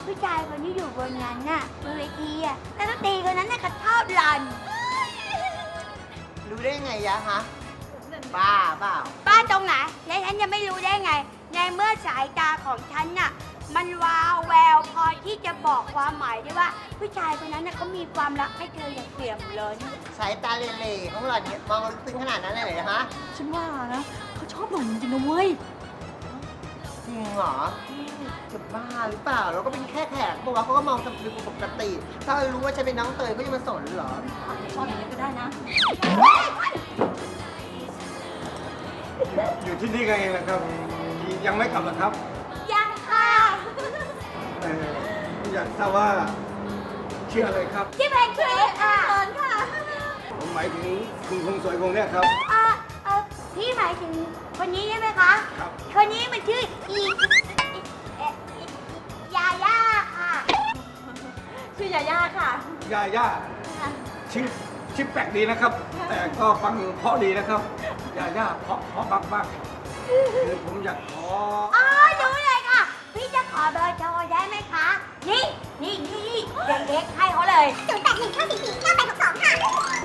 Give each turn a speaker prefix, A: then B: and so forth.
A: ผู้ชายคนที่อยู่บนนั้นน่ะบนเวทีอ่ะแล้วก็ตีคนนั้นน่ะเขาชอบหล่อน
B: รู้ได้ไงยะฮะบ้าเปล่า
A: ป้าตรงไหนและฉันจะไม่รู้ได้ไง ในเมื่อสายตาของฉันน่ะมันวาวแววพอที่จะบอกความหมายได้ว่า ผู้ชายคนนั้นน่ะเขามีความรักให้เธออย่างเปี่ยมล้น
B: สายตาเหล่ๆของหล่อนเนี่ยมองลึกซึ้งขนาดนั้นเลยเหรอฮะ
C: ฉันว่านะเขาชอบหล่อนจริงๆนะเว้ย
B: จริงเหรอจะบ้าหรือเปล่าเราก็เป็นแค่แขกบอกว่าเขาก็มองสำนึกปกติ ถ้ารู้ว่าฉันเป็นน้องเตยเขาจะมาสนเหรอ
C: ชอบอย่างนี้ก็ได้นะ
D: อยู่ที่นี่กันเองนะครับ ยังไม่กลับหรอครับ
A: ยังค่ะ
D: อยากทราบว่าชื่ออะไรครับ
A: ที่แพนเค้กค่ะค่ะ
D: ผมหมายถึงคุณคงสวยคงเนี่ยครับ
A: พี่หมายถึงคนนี้ใช่ไหมคะ
D: ครับ
A: คนนี้มันชื่อยาย่าค่ะ
C: ชื่อยาย่าค่ะ
D: ย่าย่าชื่อแปลกดีนะครับ แต่ก็ฟังเพราะดีนะครับย่าย่าเพราะมากคือผมอยากขอ
A: อ๋อรู้เลยค่ะ พี่จะขอเบอร์โทรได้ไหมคะ นี่เด็กๆให้เขาเลย
E: 0819449862ค่ะ